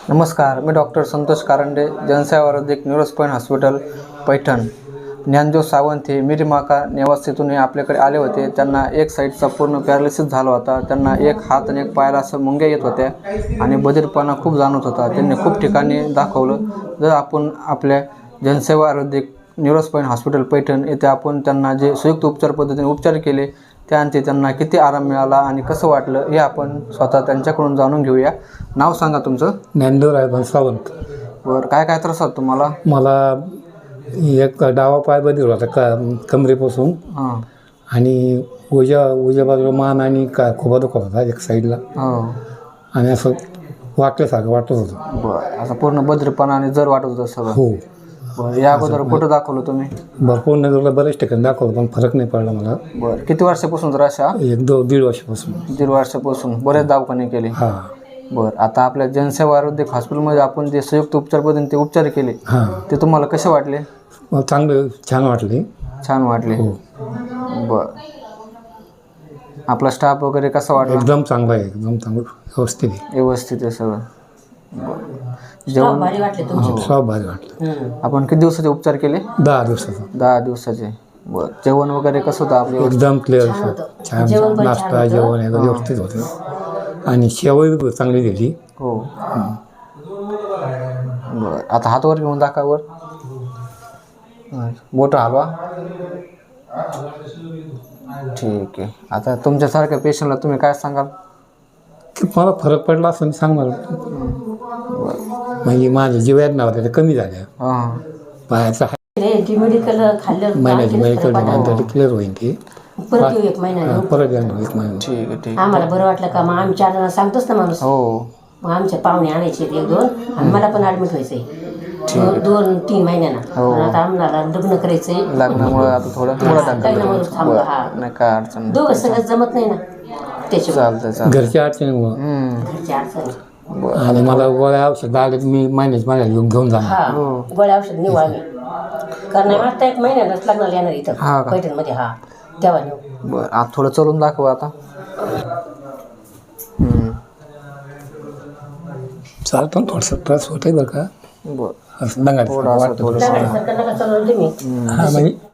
नमस्कार, मी डॉक्टर संतोष कारंडे, जनसेवा आरोग्यक neuro's point hospital Paithan. Dnyandev Sawant हे मिरीमाका निवासीतून आपल्याकडे आले होते. त्यांना एक साईडचा पूर्ण पॅरालिसिस झाला होता. त्यांना एक हात आणि एक पायाला असं मुंग्या येत होत्या आणि बधिरपणा खूप जाणवत होता. त्यांनी खूप ठिकाणी दाखवलं. जर आपण आपल्या जनसेवा आरोग्यक न्यूरोस पॉईंट हॉस्पिटल पैठण येथे आपण त्यांना जे संयुक्त उपचार पद्धतीने उपचार केले त्यानंतर त्यांना किती आराम मिळाला आणि कसं वाटलं हे आपण स्वतः त्यांच्याकडून जाणून घेऊया. नाव सांगा तुमचं? ज्ञानदेव सावंत. बरं, काय काय त्रास होता तुम्हाला? मला एक डावा पाय बधीर होता कमरेपासून हां. आणि उजव्या बाजूला मान आणि खोबा दुखत होता एक साईडला. हो. आणि असं वाटल्यासारखं वाटत होतं. बरं, असं पूर्ण बधिरपणा आणि जर वाटत होतं सगळं? हो. बरं, या अगोदर कुठं दाखवलं तुम्ही? भरपूर नजरला बरेच ठिकाणी दाखवलं पण फरक नाही पडला मला. बरं, किती वर्षापासून त्रास? दीड वर्षापासून. दीड वर्षापासून बरेच दवाखाने केले? हां. बरं, आता आपल्या जनसेवा आरोग्यक हॉस्पिटलमध्ये आपण जे संयुक्त उपचार पद्धतीने ते उपचार केले हां, ते तुम्हाला कसे वाटले? चांगलं छान वाटले. छान वाटले. हो. बरं, आपला स्टाफ वगैरे कसा वाटला? एकदम चांगला आहे, एकदम चांगलं व्यवस्थित आहे. व्यवस्थित आहे सगळं. बरं, जेवण भारी वाटले तुमचे? सब भारी वाटलं. आपण किती दिवसाचे उपचार केले? 10 दिवसाचा. 10 दिवसाचे. बरं, जेवण वगैरे कसं होतं आपलं? एकदम क्लिअर. छान जेवण पण नाश्ता छान होतं. जेवण एकदम व्यवस्थित होतं आणि शेवई चांगली दिली. हो. बरं, आता हातवर घेऊन दाखावर. मोठा हलवा. ठीक आहे. आता तुमच्यासारख्या पेशंटला तुम्ही काय सांगाल? की मला फरक पडला असं सांगणार. म्हणजे माझ्या जी वेदना होत्या त्या कमी झाल्या. हां. पायाचा मेडिकल खाल्ल्यावर महिन्याची मेडिकल नंतर क्लिअर होईल ती. परत येऊ एक महिन्याने. परत येणार एक महिना. ठीक आहे. ठीक. आम्हाला बरं वाटलं का मग आम्ही 4 जण सांगतोच ना माणूस. हो. मग आमच्या पाहुणे आणायचे 1-2 आणि मला पण ॲडमिट व्हायचंय 2-3 महिन्यानं. हो. पण आता आम्हाला लग्न करायचंय लग्नामुळे आता थोडं काही ना म्हणून थांबलं. हा, नाही काय अडचण नाही. दोघं सगळं जमत नाही ना त्याच्यामुळे चालतं. घरच्या अडचणीमुळं घरची अडचण. आणि मला गोळ्या औषध आले मी महिन्याला घेऊन जाणार. हा, गोळ्या औषध नेऊ आम्ही. कारण आता 1 महिन्यानंच लग्नाला येणार हा इथं का? पैठणमध्ये. हा, तेव्हा नेऊ. बरं, आता थोडं चलून दाखवा आता. चालतो थोडंसं त्रास होतंय बरं का. बरं, असं दंगा थोडं वाटतं. थोडंसं. दगडासारखं नका चालवलं तुम्ही. हा म्हणजे